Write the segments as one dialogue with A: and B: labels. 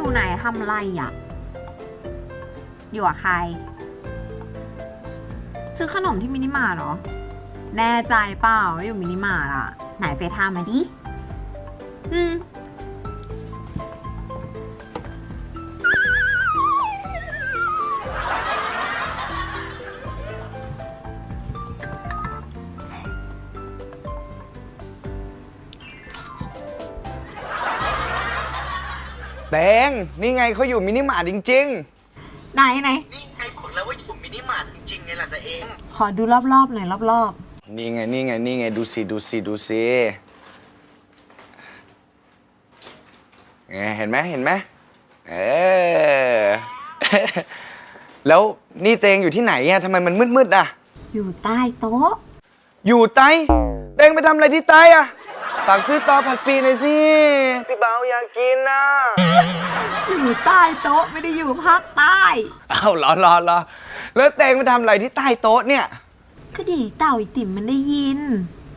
A: อยู่ไหนทำไรอ่ะอยู่กับใครซื้อขนมที่มินิมาร์ทเหรอแน่ใจเปล่าว่าอยู่มินิมาร์ทอ่ะไหนเฟซไทม์มาดิ
B: เตงนี่ไงเขาอยู่มินิมาร์ทจริง
A: ไหน
C: นี่ไงบอกแล้วว่าอยู่มินิมาร์ทจริงๆไงล่ะตัวเอง
A: ขอดูรอบๆหน่อยรอบ
B: ๆนี่ไงดูสิไงเห็นไหมเออ แล้วนี่เตงอยู่ที่ไหนอะทำไมมันมืดๆอะ
A: ๆอยู่ใต้โต๊ะ
B: อยู่ใต้เตงไปทำอะไรที่ใต้อะฝากซื้อต่อผัดปีหน่อยสิพี่เบาอยากกินนะ
A: อยู่ใต้โต๊ะไม่ได้อยู่ภาคใต้
B: อ้าวรอแล้วเตงไปทำอะไรที่ใต้โต๊ะเนี่ย
A: ก็ดีเต่าไอติ่มมันได้ยิน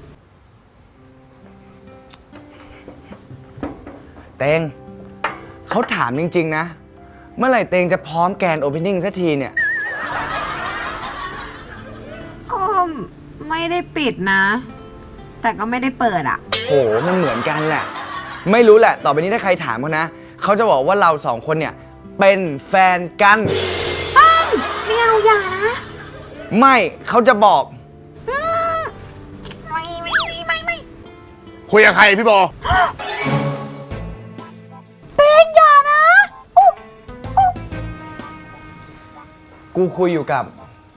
B: เตงเขาถามจริงๆนะเมื่อไหร่เตงจะพร้อมแกรนด์โอเพนนิ่งสักทีเนี่ย
A: ก็ไม่ได้ปิดนะแต่ก็ไม่ได้เปิดอ่ะ
B: โหมันเหมือนกันแหละไม่รู้แหละต่อไปนี้ถ้าใครถามเขานะเขาจะบอกว่าเราสองคนเนี่ยเป็นแฟนกัน
A: ไม่เอาอย่านะ
B: ไม่เขาจะบอก
A: ไม่
D: คุยกับใครพี่โบ
A: เต้งอย่านะ
B: กูคุยอยู่กับ